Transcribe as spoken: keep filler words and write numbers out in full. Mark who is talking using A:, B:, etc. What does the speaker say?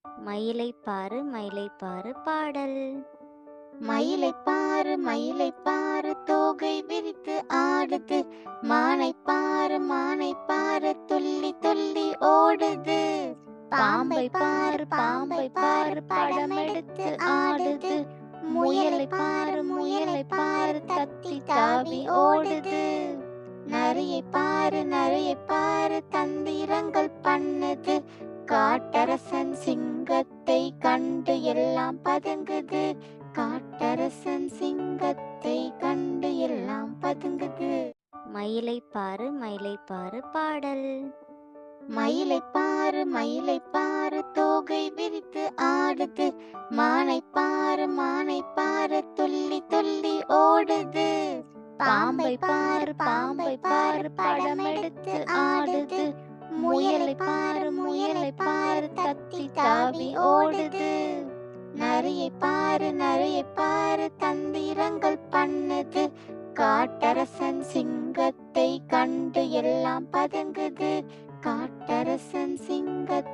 A: மயிலை பாரு மயிலை பாரு பாடல்.
B: மயிலை பாரு மயிலை பாரு தோகை விரித்து ஆடுது, மானை பாரு மானை பாரு துள்ளி துள்ளி ஓடுது. பாம்பை பாரு பாம்பை பாரு படம் எடுத்து ஆடுது, முயலை பாரு முயலை பாரு தத்தி தாவி ஓடுது. நரியை பாரு நரியை பாரு தந்திரங்கள் பண்ணுது, காட்டரசன் சிங்கத்தை கண்டு எல்லாம் பதுங்குது. காட்டரசன் சிங்கத்தை கண்டு எல்லாம் பதுங்குது.
A: மயிலை பாரு மயிலை பாரு பாடல்.
B: மயிலை பாரு மயிலை பாரு தோகை விரித்து ஆடுது, மானை பாரு மானை பாரு துள்ளி துள்ளி ஓடுது. பாம்பை பாரு பாம்பை பாரு படம் எடுத்து ஆடுது, முயலை பாரு முயலை பாரு தத்தி தாவி ஓடுது. நரியை பாரு நரியை பாரு தந்திரங்கள் பண்ணுது, காட்டரசன் சிங்கத்தை கண்டு எல்லாம் பதுங்குது. காட்டரசன் சிங்கத்தை